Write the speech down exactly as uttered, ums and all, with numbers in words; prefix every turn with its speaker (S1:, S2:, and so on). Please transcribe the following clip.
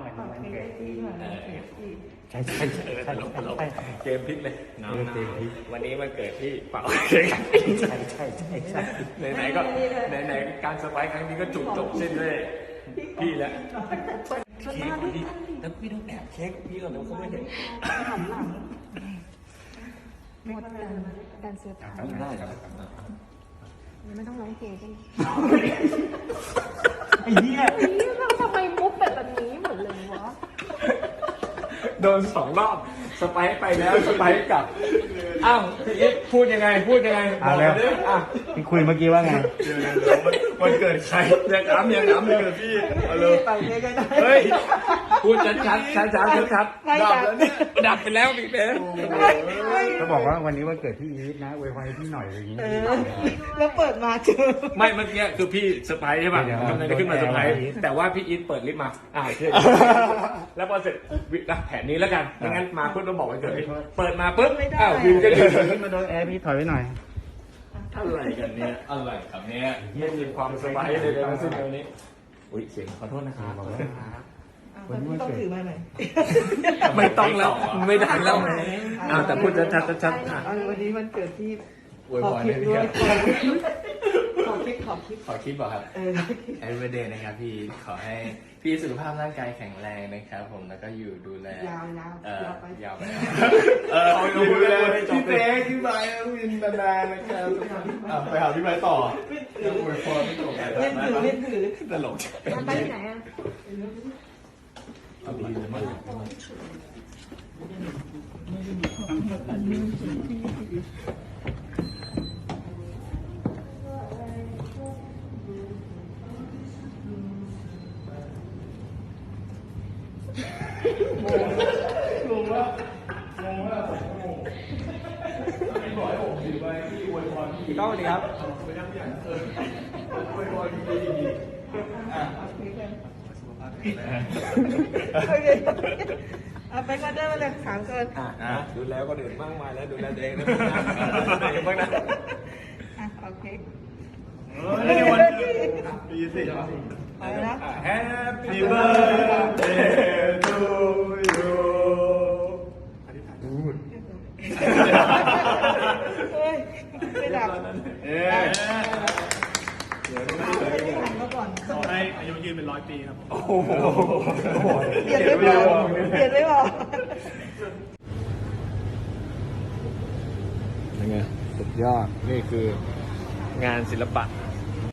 S1: ปากเค้กที่เหมือนเค้กอีก
S2: ใช่ใช่ใช่ใช่ใช่
S3: เกมพลิกเลย
S2: เออเกมพลิก
S3: วันนี้มันเกิดที่เป่าเค้ก
S2: ใช่ใช่ใช่ใช่
S3: ไหนๆก็ไหนๆการสบายครั้งนี้ก็จุดจบสิ้นด้วยพี่แล้วเค้กพี่แล้วพี่ต้องแอบเค้กพี่ก่อนแล้วเขาไม่เห็น
S1: หันหลังหมดกันการเซอร์ไพรส์
S3: ทำได้ครับ
S1: ไม่ต้องร้องเพลงกัน
S2: ไอ้เหี้ย
S1: นี่เราทำไมมุกแบบนี้หมดเลยวะ
S3: โดนสองรอบสไปร์ไปแล้วสไปร์กลับอ้าวพี่อิทพูดยังไงพูดยังไง
S2: อ่ะแล้ว
S3: ดิอ่ะ
S2: ที่คุยเมื่อกี้ว่าไง
S3: เดี๋ยวๆวันเกิดใครอยากถามอยากถามเลยพี่เอาเลย
S1: ไปเค้กกันได้
S3: เฮ้ยพูดชัดชัดชัดชัดชัดชัด
S1: ไม่
S3: ดั
S1: ดั
S3: บบ แล้วเนี่ยดับไปแล้วพี่เป๊ะ
S2: ก็บอกว่าวันนี้วันเกิดพี่อีทนะอวยพรให้พี่หน่อยอะไรอย่างงี้
S1: เออแล้วเปิดมาเจอ
S3: ไม่เมื่อกี้คือพี่เซอร์ไพรส์ใช่ป่ะ
S2: เดี๋ยว
S3: กำลังจะขึ้นมาเซอร์ไพรส์
S2: โดนแอร์
S3: แต่ว่าพี่อีทเปิดลิฟต์มาอ่าเชื่อแล้วพอเสร็จวิอ่ะแผนนี้แล้วกันไม่งั้นมาปุ๊บต้องบอกวันเกิดเปิดมาปุ๊บอ้าววินก็ยืน
S2: ขึ้นมาโดนแอร์พี่ถอยไว้หน่อย
S3: อะไรกันเนี่ยอะไรครับเนี่ยไม่มีความสบายเลยทั้งสิ้นตรงนี้อุ้ยเสียงขอโทษนะครับ
S2: บอกว่า
S1: วันนี้ต้องถือมาหน่อย
S3: ไม่ต้องแล้วไม่ได้แล้วอ่าแต่พูดชัดชัดชัดๆอ่ะ
S1: เอาวันนี้มันเกิดที่
S3: อวย
S1: ขอ
S3: พร
S1: คลิ
S3: ให้
S1: ป
S3: พี่
S1: ด้วย
S3: ครับ
S1: ขอคลิปขอคลิป
S4: ขอคลิปเหรอครับ
S1: เออ
S4: แฮปปี้เดย์นะครับพี่ ขอให้พี่สุขภาพร่างกายแข็งแรงนะครับผม แล้วก็อยู่ดูแล
S1: ยาวยาว
S4: เอ่อย
S1: าวไป
S4: ยาวไป
S3: เออเอาดูเลย
S4: พี่เป๊กพี่ไบร์ทวินนานๆนะครับอ่ะไปหาพี่ไบร์ทต่อยังอวยพรไม่จบ
S1: เล่นถือเล่นถือ
S4: ตลก
S1: ไปที่ไหนอ่ะ
S4: เอาดีเลยมาก
S3: พี่ก้องสวัสดีครับ
S1: โอเคเอาไปกันได้มาเลยสามคน
S3: อ่ะดูแลคนอื่นมากมายแล้วดูแลตัวเองด้วยนะดูแลตัวเองบ้างนะ
S1: อ่ะโอเค
S3: ในวันเกิดปีสี่
S1: ไปแล้ว
S3: Happy birthday to you
S1: เฮ้ยไม่ดับ
S3: เอ๊ะ
S1: ไม่ได้หันมาก่อน
S5: ขอให้อายุยืนเป็นร้อยปีครับ
S3: โอ้โห
S1: เปลี่ยนไม่พอเปลี่ยนไม่พอ
S3: ยังไงสุดยอด นี่คืองานศิลปะ